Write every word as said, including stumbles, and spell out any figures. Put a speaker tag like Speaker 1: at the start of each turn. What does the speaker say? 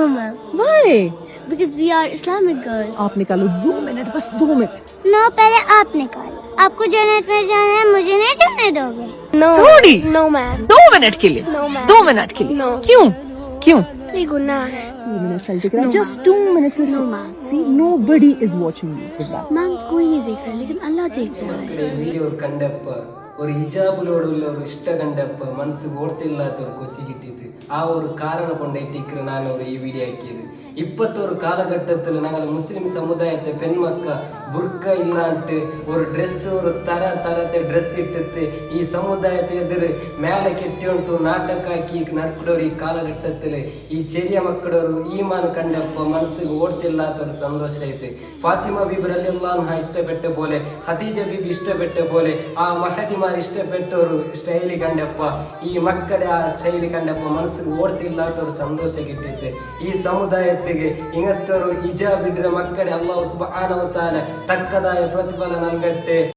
Speaker 1: No, ma'am.
Speaker 2: Why?
Speaker 1: Because we are Islamic girls.
Speaker 2: आप निकालो दो मिनट, बस दो मिनट.
Speaker 1: No, पहले आप निकालो. आपको जन्नत में जाना है, मुझे नहीं जाने दोगे? No.
Speaker 2: थोड़ी.
Speaker 1: No, ma'am.
Speaker 2: दो मिनट के लिए.
Speaker 1: No, ma'am.
Speaker 2: दो मिनट के लिए.
Speaker 1: No.
Speaker 2: क्यों? क्यों?
Speaker 1: ये गुनाह है.
Speaker 2: Two minutes I'll take it out.
Speaker 1: No,
Speaker 2: Just two minutes.
Speaker 1: No,
Speaker 2: listen.
Speaker 1: ma'am.
Speaker 2: See, nobody is watching you with that.
Speaker 1: Ma'am कोई नहीं देख रहा, लेकिन अल्लाह देख रहा है.
Speaker 3: വീഡിയോ കണ്ടപ്പോ ഒരു ഹിജാബിലോടുള്ള ഒരു ഇഷ്ട കണ്ടപ്പോ മനസ്സ് ഓർത്തില്ലാത്തവർ കൊസി കിട്ടിയത് ആ ഒരു കാരണം കൊണ്ടേറ്റിക്ക് ഞാൻ ഒരു ഈ വീഡിയോ ആക്കിയത്. ഇപ്പത്തെ ഒരു കാലഘട്ടത്തിൽ ഞങ്ങൾ മുസ്ലിം സമുദായത്തെ പെൺമക്ക ബുർക്ക ഇല്ലാണ്ട് ഒരു ഡ്രസ്സ് ഒരു തര തരത്തെ ഡ്രസ്സ് ഇട്ടിട്ട് ഈ സമുദായത്തെ എതിര് മേലെ കെട്ടിയോണ്ടു നാಟಕಾಕಿ ನಡ್ಕೊಡೋರು ಈ ಕಾಲಘಟ್ಟത്തിൽ ಈ ಚೆರಿಯ ಮಕ್ಕಳ ഒരു ಈಮಾನ್ ಕಂಡಪ್ಪ ಮನಸ್ಸಿಗೆ ಓಡ್ತಿല്ലാത്ത ഒരു ಸಂತೋಷ ಐತೆ. ಫಾತಿಮಾ ಬೀಬಿ ರಲಿಯಲ್ಲಾಹು ಅನ್ಹಾ ಇಷ್ಟಪಟ್ಟ പോലെ ಖದೀಜ ಬೀಬಿ ಇಷ್ಟಪಟ್ಟ പോലെ ಆ ಮಹದಿಮಾರ್ ಇಷ್ಟಪಟ್ಟವರು ಸ್ಟೈಲಿ ಕಂಡಪ್ಪ ಈ ಮಕ್ಕಳ ಆ ಸ್ಟೈಲಿ ಕಂಡಪ್ಪ ಮನಸ್ಸಿಗೆ ಓಡ್ತಿല്ലാത്ത ഒരു ಸಂತೋಷ കിട്ടിയിട്ട് ಈ ಸಮುದಾಯಕ್ಕೆ ಇಂಗತ್ತರು ಹಿಜಾಬ್ ಇಡ್ರೆ ಮಕ್ಕಳೇ ಅಲ್ಲಾಹು ಸುಬ್ಹಾನಹು ವ ತಆಲ ತಕ್ಕದಾಯ ಪ್ರತಿಫಲ നൽകട്ടെ.